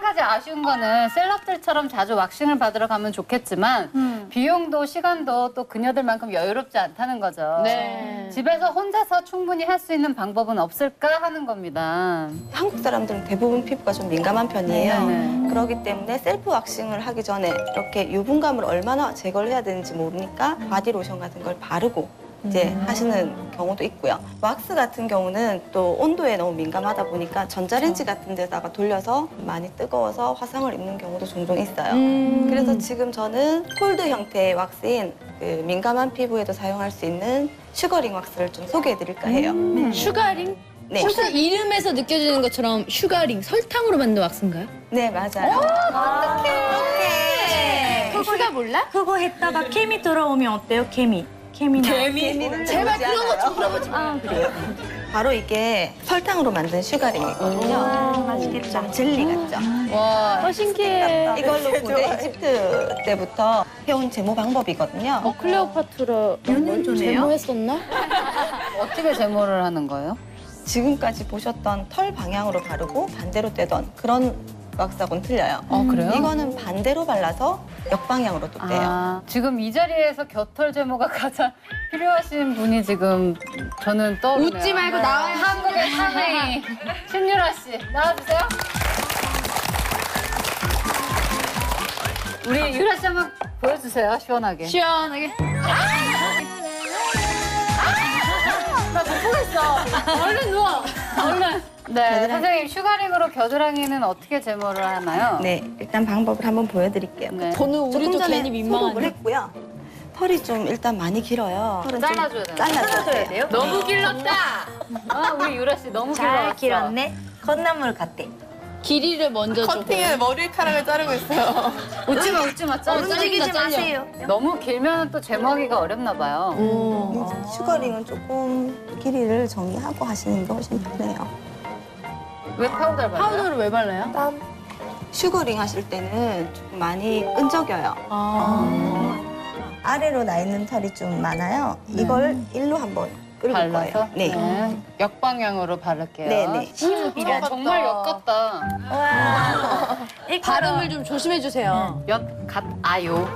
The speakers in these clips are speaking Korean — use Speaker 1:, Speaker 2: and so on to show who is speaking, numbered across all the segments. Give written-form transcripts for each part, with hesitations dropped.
Speaker 1: 가지 아쉬운 거는 셀럽들처럼 자주 왁싱을 받으러 가면 좋겠지만 비용도 시간도 또 그녀들만큼 여유롭지 않다는 거죠.
Speaker 2: 네.
Speaker 1: 집에서 혼자서 충분히 할 수 있는 방법은 없을까 하는 겁니다.
Speaker 3: 한국 사람들은 대부분 피부가 좀 민감한 편이에요.
Speaker 1: 네.
Speaker 3: 그렇기 때문에 셀프 왁싱을 하기 전에 이렇게 유분감을 얼마나 제거를 해야 되는지 모르니까 바디로션 같은 걸 바르고 이제 하시는 경우도 있고요. 왁스 같은 경우는 또 온도에 너무 민감하다 보니까 전자레인지 같은 데다가 돌려서 많이 뜨거워서 화상을 입는 경우도 종종 있어요. 그래서 지금 저는 콜드 형태의 왁스인 그 민감한 피부에도 사용할 수 있는 슈거링 왁스를 좀 소개해 드릴까 해요.
Speaker 2: 슈가링?
Speaker 3: 네.
Speaker 2: 혹시 이름에서 느껴지는 것처럼 슈가링, 설탕으로 만든 왁스인가요?
Speaker 3: 네, 맞아요.
Speaker 2: 슈가 몰라?
Speaker 4: 그거 했다가 케미 들어오면 어때요? 케미나.
Speaker 3: 개미는
Speaker 2: 제발
Speaker 3: 들어오지
Speaker 2: 그런 거 좀
Speaker 3: 않아요.
Speaker 2: 물어보지 마.
Speaker 3: 그래요. 바로 이게 설탕으로 만든 슈가링이거든요.
Speaker 4: 맛있겠다.
Speaker 3: 젤리 같죠?
Speaker 2: 와, 신기해.
Speaker 3: 이걸로 고대 이집트 때부터 해온 제모 방법이거든요.
Speaker 2: 클레오파트라
Speaker 4: 몇년 전에요?
Speaker 2: 제모했었나?
Speaker 1: 어떻게 제모를 하는 거예요?
Speaker 3: 지금까지 보셨던 털 방향으로 바르고 반대로 떼던 그런 왁스하고는 틀려요.
Speaker 1: 그래요?
Speaker 3: 이거는 반대로 발라서 역방향으로 또 떼요.
Speaker 1: 아, 지금 이 자리에서 겨털 제모가 가장 필요하신 분이 지금 저는 떠오르네요.
Speaker 2: 웃지 말고 나와요.
Speaker 1: 한국의 사나이 신유라 씨 나와주세요. 우리 유라 씨 한번 보여주세요. 시원하게.
Speaker 2: 시원하게.
Speaker 1: 나 못 보겠어. 얼른 누워. 얼른. 네, 선생님 슈가링으로 겨드랑이는 어떻게 제모를 하나요?
Speaker 3: 네, 일단 방법을 한번 보여드릴게요.
Speaker 1: 네.
Speaker 2: 저는 우리도
Speaker 3: 조금 전에
Speaker 2: 괜히
Speaker 3: 소독을
Speaker 2: 민망한데.
Speaker 3: 했고요. 털이 좀 일단 많이 길어요. 털은 좀
Speaker 1: 잘라줘야 돼요.
Speaker 3: 잘라줘야 돼요.
Speaker 2: 너무 길렀다.
Speaker 1: 아, 우리 유라 씨 너무 길어왔어.
Speaker 4: 잘 길었네. 콩나물 같대.
Speaker 2: 길이를 먼저 주고.
Speaker 5: 커팅에 머리카락을 자르고 있어요.
Speaker 1: 웃지 마, 웃지 마. 잘라.
Speaker 4: 움직이지
Speaker 2: 잘려.
Speaker 4: 마세요.
Speaker 1: 너무 길면 또 제모하기가 어렵나 봐요.
Speaker 3: 슈거링은 조금 길이를 정리하고 하시는 게 훨씬 편해요.
Speaker 1: 왜 파우더를 발라요?
Speaker 2: 파우더를 왜 발라요?
Speaker 3: 슈거링 하실 때는 조금 많이 끈적여요.
Speaker 2: 아.
Speaker 3: 아래로 나 있는 털이 좀 많아요. 이걸 일로 한번 끌고
Speaker 1: 발라서?
Speaker 3: 거예요. 네.
Speaker 1: 역방향으로 바를게요.
Speaker 3: 네네.
Speaker 1: 정말 역 같다.
Speaker 2: 발음을 좀 조심해 주세요.
Speaker 1: 아요.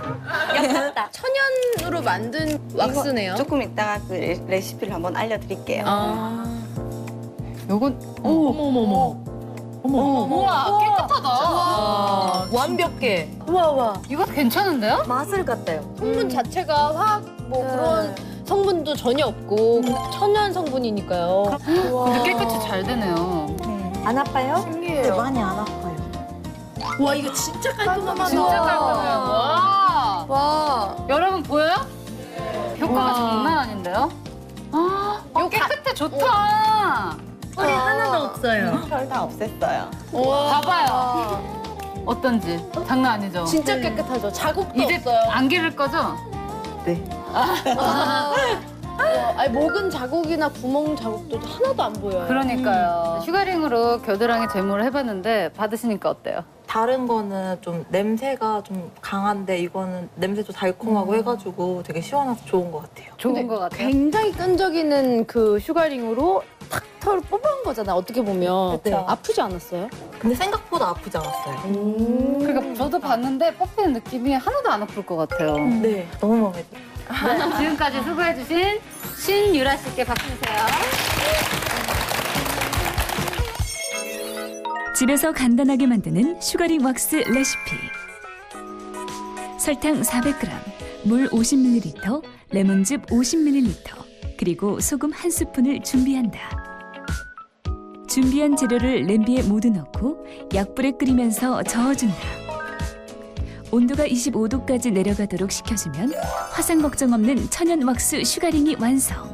Speaker 2: 천연으로 만든 왁스네요.
Speaker 3: 조금 이따가 그 레시피를 한번 알려드릴게요.
Speaker 2: 아.
Speaker 1: 요건
Speaker 2: 어머머머.
Speaker 1: 우와 깨끗하다.
Speaker 2: 완벽해. 우와.
Speaker 1: 이거 괜찮은데요?
Speaker 4: 마술 같아요.
Speaker 2: 성분 자체가 화학 뭐 그런 성분도 전혀 없고 천연 성분이니까요.
Speaker 1: 근데 깨끗이 잘 되네요.
Speaker 4: 안 아파요?
Speaker 2: 신기해요.
Speaker 4: 네, 많이 안 아파요.
Speaker 2: 와 이거 진짜 깔끔하다.
Speaker 1: 진짜 깔끔해요. 와. 여러분 보여요? 효과가
Speaker 2: 와.
Speaker 1: 장난 아닌데요? 깨끗해 좋다.
Speaker 4: 털이 하나도 없어요.
Speaker 3: 털 다 없앴어요.
Speaker 1: 봐봐요. 어떤지 장난 아니죠?
Speaker 2: 진짜 깨끗하죠. 자국도
Speaker 1: 이제
Speaker 2: 없어요.
Speaker 1: 안 기를 거죠?
Speaker 3: 네.
Speaker 2: 아니 목은 자국이나 구멍 자국도 하나도 안 보여요.
Speaker 1: 그러니까요. 슈가링으로 겨드랑이 제모를 해봤는데 받으시니까 어때요?
Speaker 5: 다른 거는 좀 냄새가 좀 강한데 이거는 냄새도 달콤하고 해가지고 되게 시원해서 좋은 것 같아요.
Speaker 1: 좋은 것 같아요.
Speaker 2: 굉장히 끈적이는 그 슈가링으로 탁 털을 뽑은 거잖아. 어떻게 보면
Speaker 5: 그쵸.
Speaker 2: 아프지 않았어요?
Speaker 5: 근데 생각보다 아프지 않았어요.
Speaker 1: 그러니까 저도 봤는데 뽑히는 느낌이 하나도 안 아플 것 같아요.
Speaker 5: 네, 너무 마음에 들어요.
Speaker 1: 네, 지금까지 수고해주신 신유라 씨께 박수 주세요.
Speaker 6: 집에서 간단하게 만드는 슈가링 왁스 레시피. 설탕 400g, 물 50ml, 레몬즙 50ml, 그리고 소금 1스푼을 준비한다. 준비한 재료를 냄비에 모두 넣고 약불에 끓이면서 저어준다. 온도가 25도까지 내려가도록 식혀주면 화상 걱정 없는 천연 왁스 슈가링이 완성.